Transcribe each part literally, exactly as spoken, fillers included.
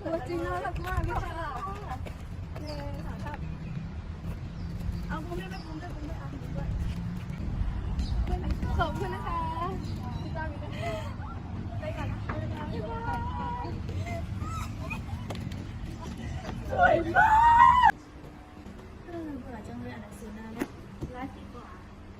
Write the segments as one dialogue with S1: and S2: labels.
S1: ตัวจริงน่ารักมากเลยค่ะเย้ค่ะครับเอาคุณไม่ไม่คุณด้วยคุณด้วยอ่ะคุณด้วยขอบคุณนะคะพี่จ้ามีกันไปกันนะคะสวยมากเออเบื่อจังเลยอ่านหนังสือนานแล้วไลฟ์ดีกว่า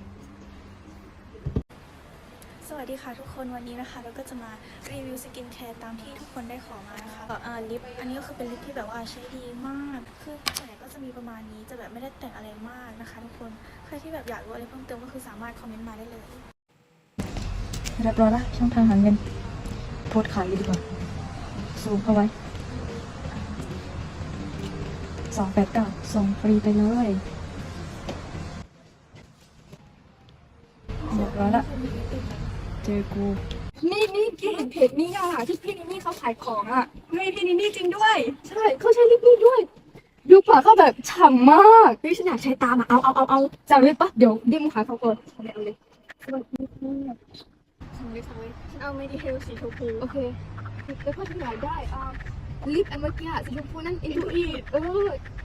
S1: สวัสดีค่ะทุกคนวันนี้นะคะเราก็จะมารีวิวสกินแคร์ตามที่ทุกคนได้ขอมานะคะอ่าลิปอันนี้ก็คือเป็นลิปที่แบบว่าใช้ดีมากคือส่วนใหญ่ก็จะมีประมาณนี้จะแบบไม่ได้แต่งอะไรมากนะคะทุกคนใครที่แบบอยากรู้อะไรเพิ่มเติมก็คือสามารถคอมเมนต์มาได้เลย
S2: เรียบร้อยละช่องทางหาเงินโพสต์ขายดีกว่าซูมเข้าไว้สองแปดเก้าส่งฟรีไปเลยเรียบร้อยละเจอกู
S1: นี่นี่พี่เห็นเพจนี้อ่ะที่พี่นินี่เขาขายของอ่ะเฮ้ยพี่นินี่จริงด้วย
S2: ใช่เขาใช้ลิปนี้ด้วยดูปากเขาแบบฉ่ำมาก
S1: พี่ฉันอยากใช้ตามอ่ะเอาเอาเอาเอา
S2: จังเลยปะเดี๋ยวดิมขายเขาก่อนเอาเลยเอาเลย
S1: สั่งเลยสั่งเลยฉันเอาเมดิเทลสีชมพู
S2: โอเค
S1: แล้วก็ที่ไหนได้อ่าลิปอันเมื่อกี้อ่ะสีชมพูนั่นอินทูอีเออ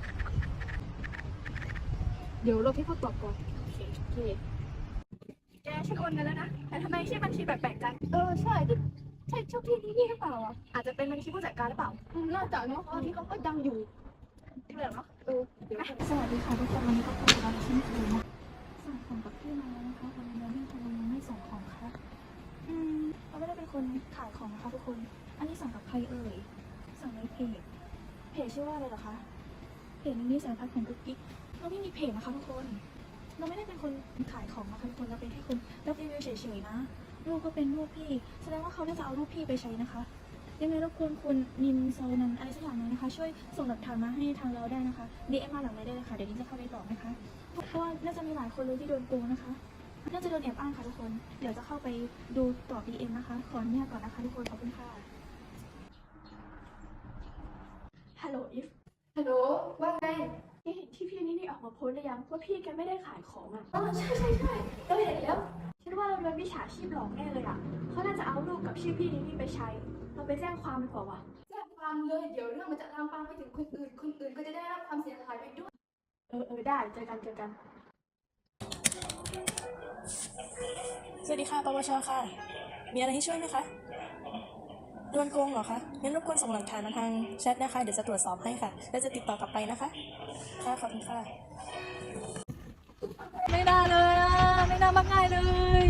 S1: เดี๋ยวเราพี่เขาตอบก่อนโอเคโอเคแกฉันโอนเงินแล้วนะแต่ทำไมชื่อบัญชีแปลกๆจังเออใช่ใช่เจ้าที่นี่นี่หรือเปล่าอ่ะอาจจะเป็นบัญชีผู้จัดการหรือเปล่าน่าจะเนาะเพราะที่เขาก็ดังอยู่ที่แบบเนาะเออเดี๋ยว
S2: สวัสดีค่ะทุกคนวันนี้ก็เป็นร้านชิ้นคืนนะสั่งของกับพี่มาแล้วนะคะวันนี้พี่ทำไมยังไม่ส่งของคะอืมเราไม่ได้เป็นคนขายของนะคะทุกคนอันนี้สั่งกับใครเอ่ยสั่งในเพจเพจชื่อว่าอะไรเหรอคะเพจนี้สารพัดของกุ๊กกิ๊กเราไม่มีเพจนะคะทุกคนเราไม่ได้เป็นคนขายของนะคะทุกคนเราเป็นแค่คนรับรีวิวเฉยๆนะรูปก็เป็นรูปพี่แสดงว่าเขาน่าจะเอารูปพี่ไปใช้นะคะยังไงรบกวนคุณนินโซนันอะไรสักอย่างนึงนะคะช่วยส่งหลักฐานมาให้ทางเราได้นะคะ ดี เอ็ม มาหลังไลน์ได้เลยค่ะเดี๋ยวนี้จะเข้าไปตอบนะคะเพราะว่าน่าจะมีหลายคนเลยที่โดนโกงนะคะน่าจะโดนแอบอ้างค่ะทุกคนเดี๋ยวจะเข้าไปดูตอบ ดี เอ็ม นะคะขออนุญาตก่อนนะคะทุกคนขอบคุณค่ะฮัลโหลอิฟ
S1: ฮัลโหลว่าไง
S2: นี่เห็นที่พี่นี่นี่ออกมาโพสต์หรือยังว่าพี่แกไม่ได้ขายของอ่ะ
S1: อ๋อใช่ใช่ใช่เราเห็นแล้ว
S2: ฉันว่าเราโดนมิจฉาชีพหลอกแน่เลยอ่ะเขาน่าจะเอารูปกับชื่อพี่นี่นี่ไปใช้เราไปแจ้งความดีกว่าว่ะ
S1: แจ้งความเลยเดี๋ยวเรื่องมันจะลามปามไปถึงคนอื่นคนอื่นก็จะได้รับความเสียหายไปด้วย
S2: เออเออได้เจอกันเจอกันสวัสดีค่ะปวชค่ะมีอะไรให้ช่วยไหมคะโดนโกงเหรอคะงั้นรบกวนส่งหลักฐานมาทางแชทนะคะเดี๋ยวจะตรวจสอบให้ค่ะแล้วจะติดต่อกลับไปนะคะค่ะขอบคุณค่ะ
S1: ไม่น่าเลยอ่ะไม่น่ามักง่ายเลย